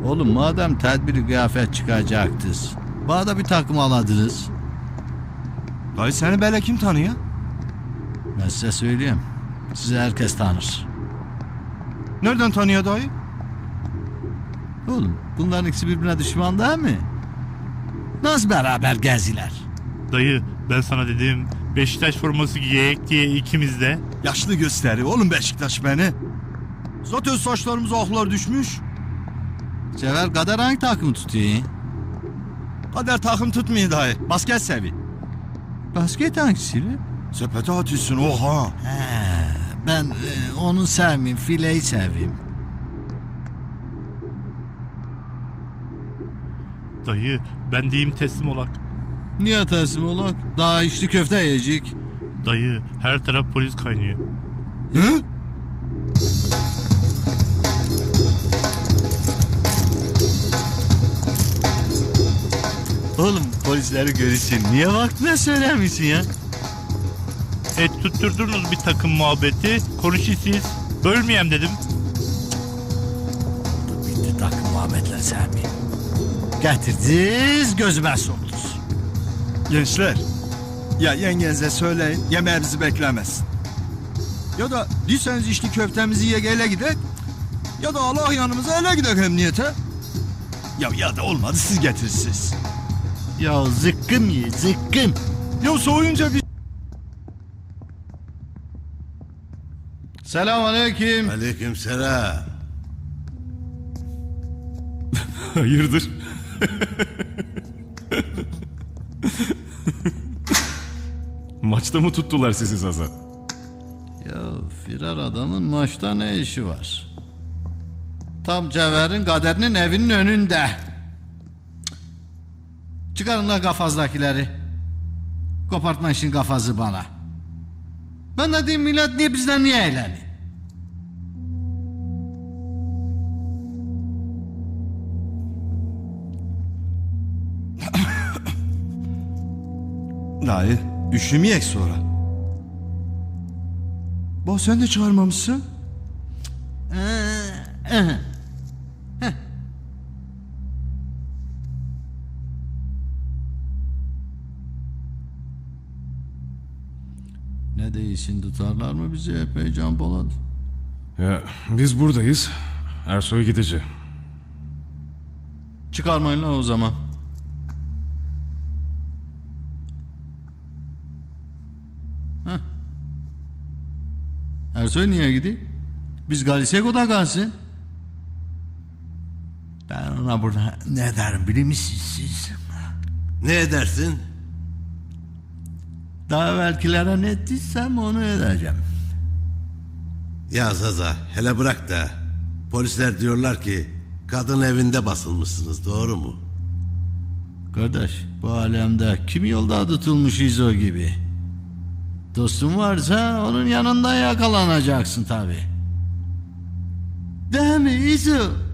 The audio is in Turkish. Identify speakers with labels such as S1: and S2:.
S1: Oğlum madem tedbiri kıyafet çıkacaktınız, bana da bir takım aladınız.
S2: Dayı seni böyle kim tanıyor?
S1: Ben size söyleyeyim. Sizi herkes tanır.
S2: Nereden tanıyor dayı?
S1: Oğlum bunların ikisi birbirine düşman değil mi? Nasıl beraber geziler?
S3: Dayı ben sana dedim Beşiktaş forması giyek diye ikimiz de.
S2: Yaşlı gösteriyor oğlum Beşiktaş beni. Zaten saçlarımıza aklar düşmüş.
S1: Cevher Kader hangi takımı tutuyor?
S2: Kader takım tutmuyor dayı. Basket sevi.
S1: Basket hangisiyle?
S2: Sepete atıyorsun oha.
S1: Ben onu sevmeyeyim, fileyi seveyim.
S3: Dayı ben diyeyim teslim olak.
S1: Niye teslim olak? Daha içli köfte yiyecek.
S3: Dayı her taraf polis kaynıyor.
S2: Hı?
S1: Oğlum polisleri görürsün. Niye vaktine söylemişsin ya?
S3: Tutturdunuz bir takım muhabbeti. Konuşun siz. Bölmeyeyim dedim.
S1: Bitti takım muhabbetler sevmeyeyim. Getirdiniz gözüme soktunuz.
S2: Gençler. Ya yengenize söyleyin yemeğimizi beklemesin. Ya da diyseniz içli köftemizi ye ele gidek. Ya da Allah yanımıza ele gidek emniyete. Ya da olmadı siz getirirsiniz.
S1: Ya zıkkım ye zıkkım.
S2: Ya soğuyunca bir...
S1: Selamünaleyküm.
S4: Aleykümselam.
S5: Hayırdır? Maçta mı tuttular sizi Zaza?
S1: Ya firar adamın maçta ne işi var? Tam Cevher'in Kader'in evinin önünde. Çıkarın lan kafazdakileri. Kopartma işin kafası bana. Ben de diyeyim millet niye bizden niye eğleniyor?
S2: Dayı üşümeyek sonra. Bak sen de çağırmamışsın.
S1: Ne değilsin tutarlar mı bizi epey Can Polat?
S5: Ya biz buradayız. Ersoy gidici.
S1: Çıkarmayın lan o zaman. Heh. Ersoy niye gidiyor? Biz Galisego'da kalsın. Ben ona burada ne derim biliyor musunuz siz?
S4: Ne edersin?
S1: Daha evvelkilere ne ettiysem onu edeceğim.
S4: Ya Zaza hele bırak da. Polisler diyorlar ki kadın evinde basılmışsınız, doğru mu?
S1: Kardeş bu alemde kim yolda tutulmuş İzo gibi. Dostun varsa onun yanında yakalanacaksın tabi. Değil mi İzo?